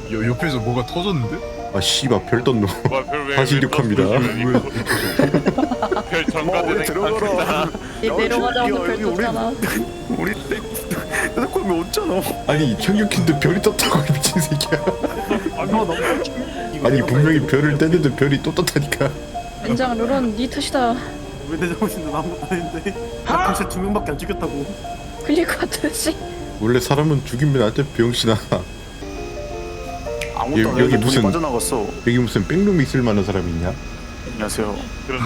옆에서 뭐가 터졌는데? 아 씨발 별 떴노. 다시 이륙합니다. 별 전가되는 들어가라. 얘 내려가자마자 별 떴잖아. 우리 대답하면 없잖아. 아니 청유킨도 별이 떴다고 이 미친 새끼야. 아니 분명히 별을 뗐는데 별이 또 떴다니까. 엔장 룰은 네 탓이다. 왜 내 잘못인데 나 아무것도 안 했는데. 나 당시 2명밖에 안 죽였다고. 클릭 같듯이. 원래 사람은 죽이면 안 돼 병신아. 아무것도 안 여기 했는데 무슨- 돈이 빠져나갔어. 여기 무슨 백룸이 있을 만한 사람이 있냐? 안녕하세요. 그렇네.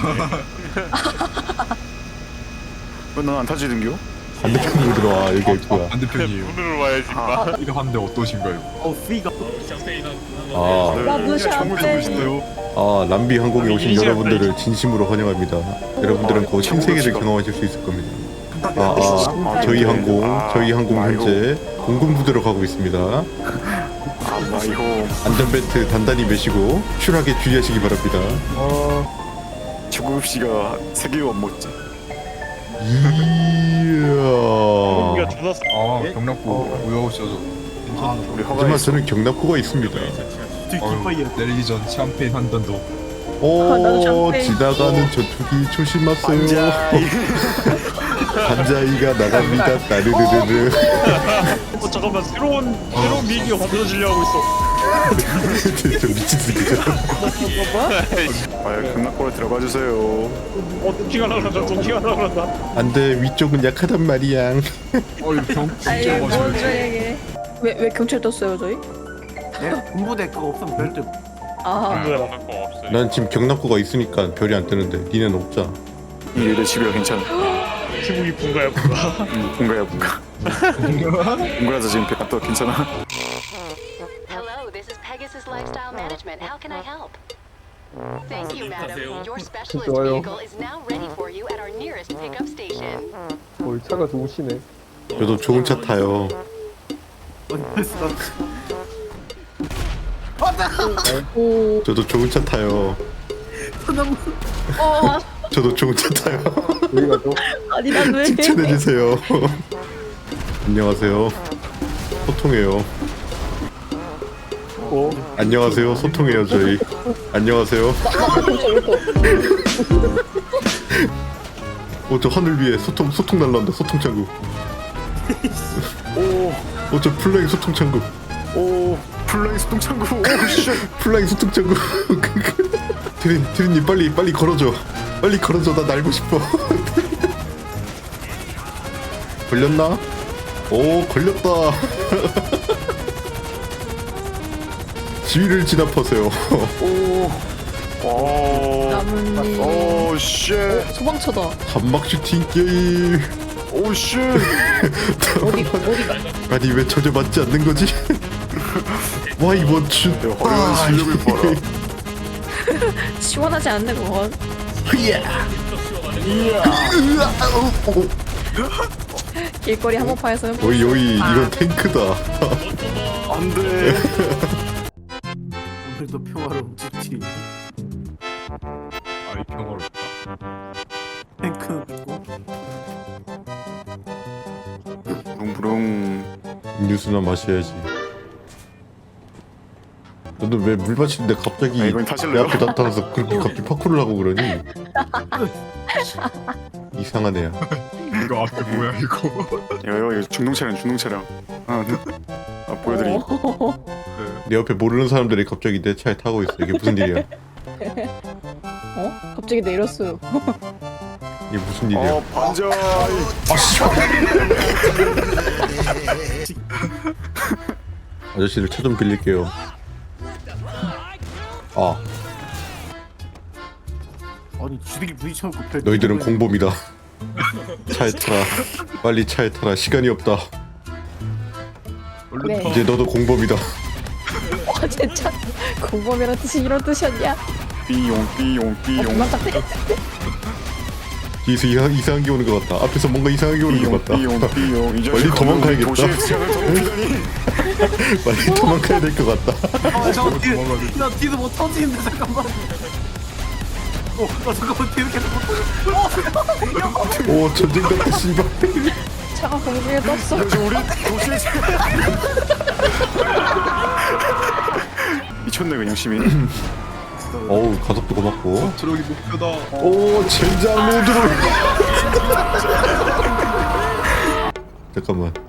왜 넌 안 타지는겨? 반대편으로 들어와. 여기 있구야. 반대편이에요. 문으로 와야지 마. 이거 한데 어떠신가요? 피가. 아, 나 무시한대. 아 람비 항공에 오신 여러분들을 진심으로 환영합니다. 여러분들은 곧 신세계를 경험하실 수 있을 겁니다. 저희 항공 현재 공군 부대로 가고 있습니다. 아 이거 안전벨트 단단히 매시고 쿨하게 주의하시기 바랍니다. 조국 씨가 3개 안 먹지. 이야. 아 경락부 우여오셔서 괜찮네. 우리 하지만 허가했어. 저는 경납고가 있습니다. 뒷파이야. 내리기 전 샴페인 한 잔 더. 나도 오, 샴페인. 지나가는 전투기 조심하세요. 반자이가 나갑니다. 따르르르르. 잠깐만 새로운 미기가 만들어지려 하고 있어. 저 미친 새끼죠. 아 극락골에 들어가 주세요. 도끼가 나간다. 도끼가 나간다. 안돼, 위쪽은 약하단 말이야. 이거 아이 경찰 뭔 맞아요. 소리야 이게. 왜 경찰 떴어요 저희? 군부대 그거 없으면 별도. 아 난 지금 경납고가 있으니까 별이 안 뜨는데 니네는 없잖아. 이래 집이라 괜찮아. 지붕이 분가야 분가. 뭔가야 뭔가. 뭔가라서 지금 배가 떠 괜찮아. Hello, this is Pegasus Lifestyle Management. How can I help? Thank you, madam. Your specialist vehicle is now ready for you at our nearest pickup station. 차가 좋으시네. 저도 좋은 차 타요. 오. 저도 좋은 차 타요. 저도 좋은 차 타요. 여기가 또 아니 난 왜? 칭찬해주세요. 안녕하세요. 소통해요. 안녕하세요. 소통해요 저희. 안녕하세요. 저 하늘 위에 소통 날라온다. 소통 창구. 저 플라잉 소통 창구. 오 플라잉 수동창구. 오 씨. 플라잉 소통 창구. 드린님 빨리 걸어줘. 빨리 걸어줘. 나 날고 싶어. 걸렸나? 오 걸렸다. 지위를 진압하세요. 나뭇잎. 오 씨. 소방차다. 한막 슈팅 게임. 오 씨. 어디가? 아니 왜 전혀 맞지 않는 거지? 와 이번 슛. 화려한 실력을 봐라. 시원하지 않네 그건. 길거리 한복판에서 오이 이건 탱크다. 안돼. 오늘도 평화로운 집지. 아이 평화롭다. 탱크 있고. 부릉부릉. 음료수나 마셔야지. 너는 왜 물 마시는데 갑자기 아, 이건 내 타실래요? 앞에 나타나서 그렇게 갑자기 파쿠를 하고 그러니? 이상한 애야. 이거 앞에 뭐야 이거? 이거 중동 차량. 보여드림. 내 옆에 모르는 사람들이 갑자기 내 차에 타고 있어. 이게 무슨 일이야? 어? 갑자기 내렸어요. 이게 무슨 일이야? 반자이. 아저씨들 차 좀 빌릴게요. 아니 주둥이 부딪혀놓고 별. 너희들은 공범이다. 차에 타라. 빨리 차에 타라. 시간이 없다. 네. 이제 너도 공범이다. 진짜 공범이란 뜻이 이런 뜻이었냐? 삐용. 맞다. 뒤에서 이상한 게 오는 것 같다. 앞에서 뭔가 이상한 게 오는 것 같다. 삐용. 이 빨리 도망가야겠다. 도시의 치안을 더럽히다니. 빨리 도망가야 될 것 같다. 저거 나 뒤도 못 터지는데 잠깐만. 나 잠깐만 뒤도 계속 못 터져. 오 전쟁 같다 씨발. 차가 공중에 떴어. 우리 도시의 치안. 미쳤네 그냥 시민. 어우 가속도 고맙고. 저기 목표다. 오 젠장 모드로. 잠깐만.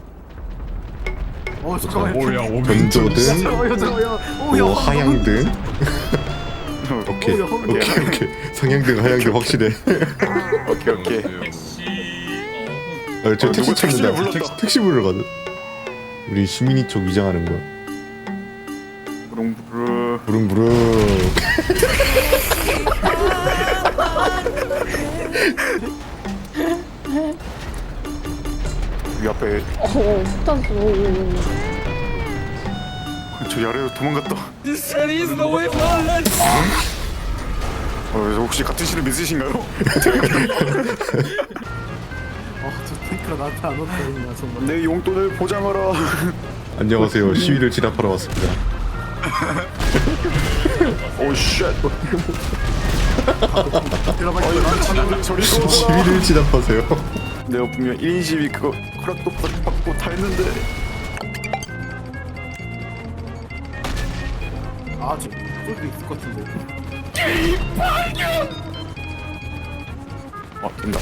잠깐만. 뭐야 오면 전조등, 잠깐만요. 오 하향등. 오케이 오케이. 상향등 하향등 확실해. 오케이. 저 택시 누가 택시를 찾는다. 불렀다. 택시 부르거든. 우리 시민이 쪽 위장하는 거야. 부릉부릉. 부릉부릉. 이 앞에 폭탄 저 아래로 도망갔다. 혹시 같은 실을 믿으신가요? 저 탱크가 나한테 안 왔다 했나 정말. 내 용돈을 보장하라. 안녕하세요. 시위를 진압하러 왔습니다. 오 쉣. 저리 시위를 진압하세요. 내가 분명 1인 시위 그거 허락도 받고 다 했는데. 저 저기 있을 것 같은데. 된다.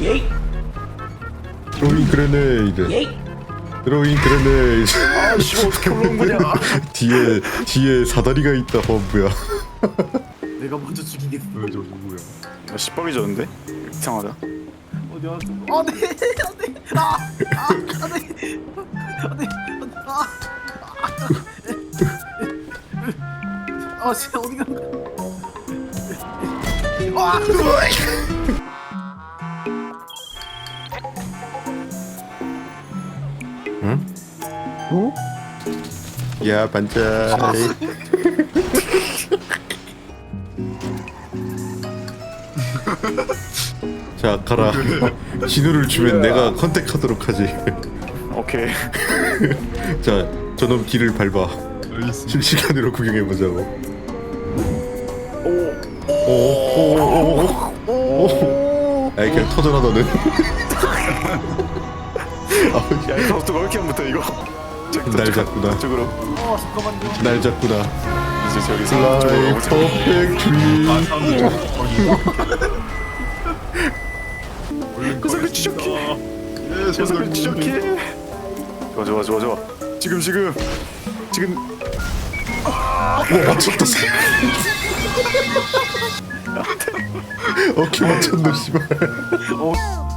드로잉 그레네이드. 드로잉 그레네이드. 아씨 어떻게 올라온 거냐? 뒤에 사다리가 있다 범부야. 내가 먼저 죽이겠어. 왜 저기 뭐야? 나 시뻘이 졌는데? 이상하다. 어디 왔어? 안돼. 진짜 어디 간 거야? 응? 야 반짝. 자 가라. 신호를 주면 내가 컨택하도록 하지. 오케이. 자 저놈 길을 밟아. 알겠습니다. 실시간으로 구경해보자고. 오. 아이 그냥 터져라 너는. 야 이거 어떻게 이렇게 안 붙어 이거? 날 잡구나. 저쪽으로. 잠깐만요. 날 잡구나. 이제 저기 플라이 저쪽으로 오자. 퍼펙트리. 아 사람들 저기 그 소리 지적해. 그 소리 지적해. 좋아. 지금. 맞췄다. 오케이 맞췄노 씨발.